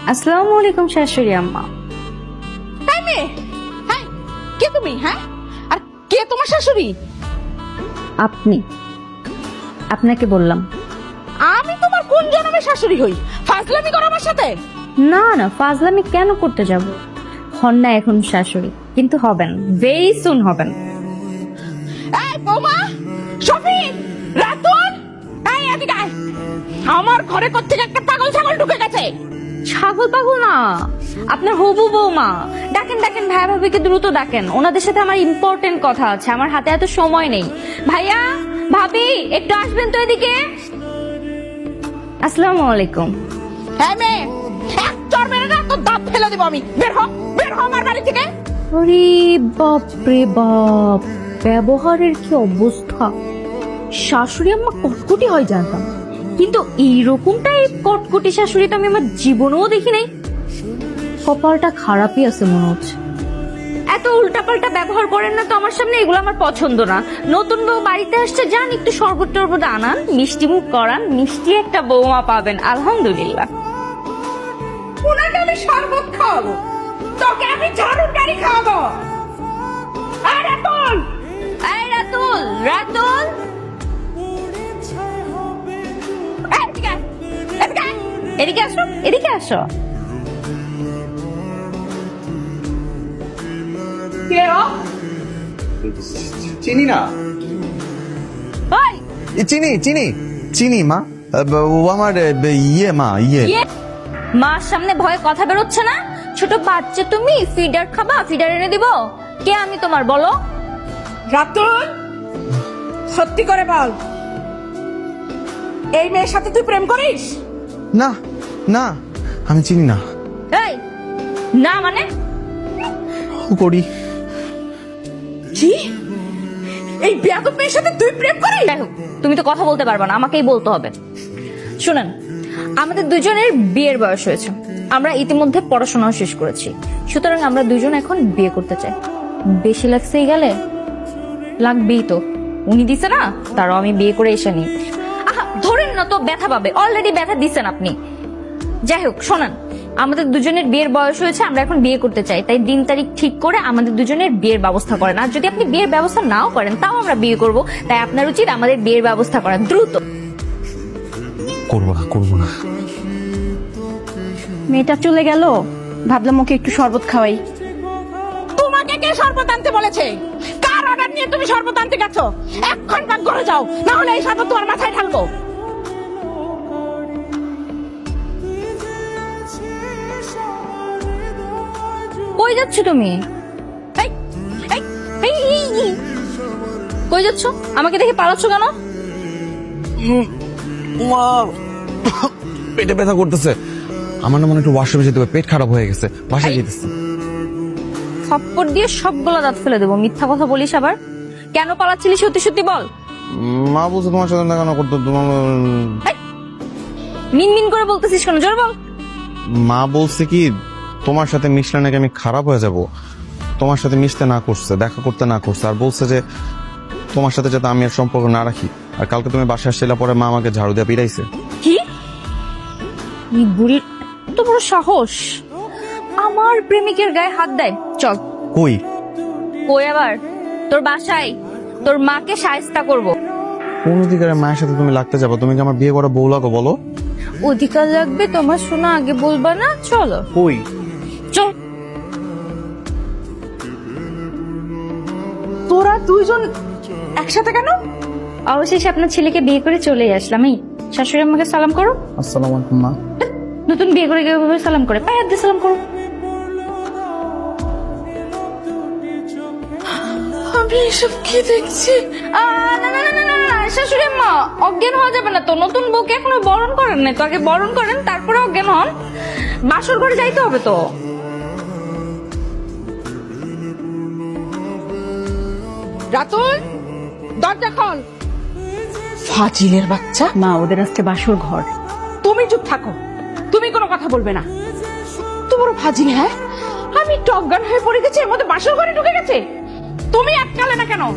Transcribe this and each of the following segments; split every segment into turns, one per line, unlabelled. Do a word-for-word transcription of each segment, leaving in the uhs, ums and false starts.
আসসালামু আলাইকুম শাশুড়ি আম্মা।
তাই মেয়ে, হ্যাঁ কে তুমি? হ্যাঁ আর কে তোমার শাশুড়ি?
আপনি, আপনাকে বললাম।
আমি তোমার কোন জন্মের শাশুড়ি হই? ফাজলামি করো আমার সাথে?
না না, ফাজলামি কেন করতে যাব? হন না এখন শাশুড়ি, কিন্তু হবেন, ভেরি সুন হবেন।
এই বৌমা, শফিক, রাতুল, এই এদিকে আয়। আমার ঘরে কোত্থেকে একটা পাগল ছাগল ঢুকে গেছে।
ছাগল পাগল না, আপনার হবু বৌমা। ডাকেন ডাকেন, ভাইয়া ভাবিকে দ্রুত ডাকেন, ওনাদের সাথে আমার ইম্পর্টেন্ট কথা আছে, আমার হাতে এত সময় নেই। ভাইয়া ভাবি একটু আসবেন তো এদিকে। আসসালামু আলাইকুম।
হ্যাঁ মেয়ে, এক চড় মেরে না তো দাঁত ফেলে দিব আমি। বের হ, বের হ আমার বাড়ি থেকে।
আরে বাপ রে বাপ, ব্যবহারের কি অবস্থা! শাশুড়ি আম্মা কটকটি হয় জানতাম, কিন্তু এইরকমটাই কটকটি শাশুড়ি তো আমি আমার জীবনেও দেখি নাই। কপালটা খারাপই আছে মনে হচ্ছে। এত উল্টাপাল্টা ব্যবহার করেন না তো আমার সামনে, এগুলো আমার পছন্দ না। নতুন বউ বাড়িতে আসছে, যান একটু শরবত টরবত আনান, মিষ্টি মুখ করান, মিষ্টি একটা বৌমা পাবেন আলহামদুলিল্লাহ।
উনাকে আমি শরবত খাওয়াবো, তোকে আমি ঝাড়ুর গাড়ি খাওয়াবো। এই রাতুল,
এই রাতুল, রাতুল
এদিকে আয়, এদিকে আয়।
এদিকে আসো, এদিকে আসো।
কে ও?
চিনি না।
ওই
এ, চিনি চিনি চিনি মা। আ, ব- ও আমার এ, ব- ইয়ে মা ইয়ে
ইয়ে, মার সামনে ভয়ে কথা বেরোচ্ছে না? ছোট বাচ্চা তুমি, ফিডার খাবা? ফিডার এনে দিব? কে আমি তোমার, বলো?
রাতুল, সত্যি করে বল, এই মেয়ের সাথে তুই প্রেম করিস?
না না, আমি চিনি না।
এই না মানে?
ও করি।
কি? এই বেয়াদব মেয়ের সাথে তুই প্রেম করিস?
যাই হোক, তুমি তো কথা বলতে পারবা না, আমাকেই বলতে হবে। শুনেন, আমাদের দুজনের বিয়ের বয়স হয়েছে, আমরা ইতিমধ্যে পড়াশোনাও শেষ করেছি, সুতরাং আমরা দুজন এখন বিয়ে করতে চাই। বেশি লাগছেই গেলে লাগবেই তো, উনি দিছে না, তারও আমি বিয়ে করে এসে নিই। আহা ধরেন না তো, ব্যথা পাবে, অলরেডি ব্যথা দিচ্ছেন আপনি। যাই হোক শোনেন, আমাদের দুজনের বিয়ের বয়স হয়েছে, আমরা এখন বিয়ে করতে চাই, তাই দিন তারিখ ঠিক করে আমাদের দুজনের বিয়ের ব্যবস্থা করেন। আর যদি আপনি বিয়ের ব্যবস্থা নাও করেন, তাও আমরা বিয়ে করব, তাই আপনার উচিত আমাদের বিয়ের ব্যবস্থা করা দ্রুত।
করবো না করবো না।
মেয়েটা চলে গেল, ভাবলাম ওকে একটু শরবত খাওয়াই।
তোমাকে কে শরবত আনতে বলেছে? কার অর্ডার নিয়ে তুমি শরবত আনতে গেছো? এক্ষণ পাক ঘরে যাও, না হলে এই শরবত তোমার মাথায় ঢালবো।
কই যাচ্ছ তুমি?
এই, এই, এই, এই, এই।
কই যাচ্ছ? আমাকে দেখে পালাচ্ছ কেন?
মা, পেটে ব্যথা করতেছে। আমার না মনে হয় একটু ওয়াশরুমে যেতে হবে, পেট খারাপ হয়ে গেছে, বাসায় যেতেছে।
থাপ্পড় দিয়ে সবগুলো দাঁত ফেলে দেবো, মিথ্যা কথা বলিস আবার। কেন পালাচ্ছিলি সত্যি সত্যি বল।
মা বলছে তোমার সাথে দেখানো করতো, তোমার
মিন মিন করে বলতেছিস কেন, জোর বল।
মা বলছে কি তোমার সাথে মিশলে নাকি আমি খারাপ হয়ে যাব, তোমার সাথে মিশতে না করছে, দেখা করতে না করছে, আর বলছে যে তোমার সাথে যাতে আমি আর সম্পর্ক না রাখি। আর কালকে তুমি বাসায় আসছিলে পরে মা আমাকে ঝাড়ু দিয়ে পিড়াইছে।
কি? এই বুড়ির এত বড় সাহস, আমার প্রেমিকের গায়ে হাত দেয়। চল।
কই?
কই আবার? তোর বাসায়, তোর মাকে শায়েস্তা করব।
কোন অধিকারে মায়ের সাথে তুমি লাগতে যাবো? তুমি কি আমার বিয়ে করা বউ লাগো বলো?
অধিকার লাগবে তোমার, শোনা আগে বলবা না? চলো।
কই?
চল।
তোরা দুইজন একসাথে কেন?
অবশেষে আপনার ছেলেকে বিয়ে করে চলে আসলাম। এই শাশুড়ি আমাকে সালাম করো।
আসসালামু আলাইকুম মা।
নতুন বিয়ে করে গিয়ে ভাবে সালাম করে, পায়ে হাত দিয়ে সালাম করো।
আমি এসব কি দেখছি?
আহ, না না না না না না, শাশুড়ি মা অজ্ঞান হওয়া যাবে না তো, নতুন বউকে এখনো বরণ করেন না তো, আগে বরণ করেন তারপরে অজ্ঞান হন। বাসর ঘরে যাইতে হবে তো।
রাতুল, দরজা খোল। ফাজিলের বাচ্চা।
মা, ওদের আজকে বাসর ঘর।
তুমি চুপ থাকো, তুমি কোনো কথা বলবে না। তো বড় ফাজিল, হ্যাঁ? আমি একটু অজ্ঞান হয়ে পড়ে গেছি, এর মধ্যে বাসর ঘরে ঢুকে গেছে। তুমি আটকালে না কেন?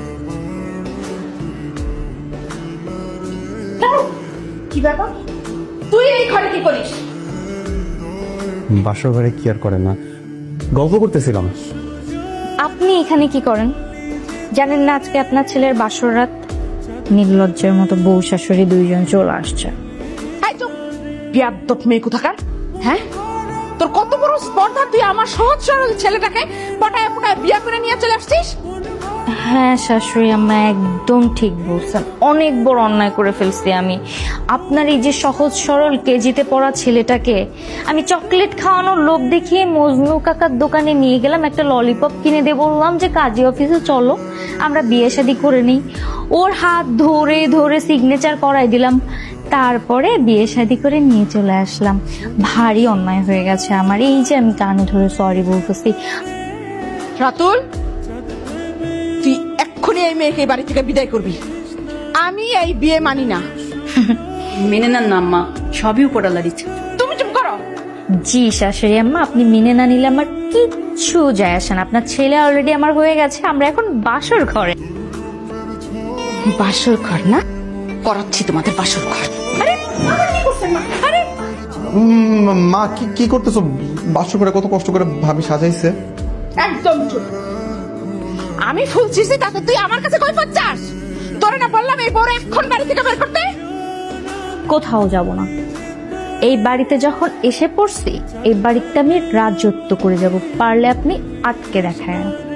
কি ব্যাপার? তুই এই ঘরে কি করিস?
বাসর ঘরে কি আর করে না, গল্প করতেছিলাম।
আপনি এখানে কি করেন জানেন না? আজকে আপনার ছেলের বাসর রাত। নির্লজ্জের মতো বউ শাশুড়ি দুইজন চলে আসছে।
এই তো বিয়াদ্দপ মেয়ে কোথাকার, হ্যাঁ? তোর কত বড় স্পর্ধা, তুই আমার সহজ সরল ছেলেটাকে পটায় পটায় বিয়া করে নিয়ে চলে আসছিস।
হ্যাঁ শাশুড়ি আম্মা একদম ঠিক বলছেন, অনেক বড় অন্যায় করে ফেলছি আমি। আপনার এই যে সহজ সরল কেজিতে পড়া ছেলেটাকে আমি চকলেট খাওয়ানোর লোভ দেখিয়ে মজনু কাকার দোকানে নিয়ে গেলাম, একটা ললিপপ কিনে দিয়ে বললাম যে কাজী অফিসে চলো আমরা বিয়ে শাদী করে নিই। ওর হাত ধরে ধরে সিগনেচার করাই দিলাম, তারপরে বিয়ে শাদী করে নিয়ে চলে আসলাম। ভারী অন্যায় হয়ে গেছে আমার, এই যে আমি কানে ধরে সরি বলতেছি।
রাতুল, তুই এক্ষুনি এই মেয়েকে এই বাড়ি থেকে বিদায় করবি। আমি এই বিয়ে মানি না।
মেনে নেন না আম্মা, সবই উপরালার ইচ্ছা।
তুমি চুপ করো।
জি শাশুড়ি আম্মা, আপনি মেনে না নিলে আমার কিচ্ছু যায় আসে না। আপনার ছেলে অলরেডি আমার হয়ে গেছে, আমরা এখন বাসর ঘরে।
বাসর ঘর না, করাচ্ছি তোমাদের বাসর ঘর। আরে আবার কি করছেন মা? আরে
উম, মা কি কি করতেছো? বাসর ঘরে কত কষ্ট করে ভাবি সাজাইছে।
একদম চুপ। আমি ফুল ছিছি তাতে তুই আমার কাছে কই পাচ্ছাস? তোরে না বললাম এই বড় এখন বাড়ি থেকে বের করতে?
কোথাও যাব না। এই বাড়িতে যখন এসে পড়ছি এই বাড়িতে আমি রাজত্ব করে যাব, পারলে আপনি আটকে দেখায়।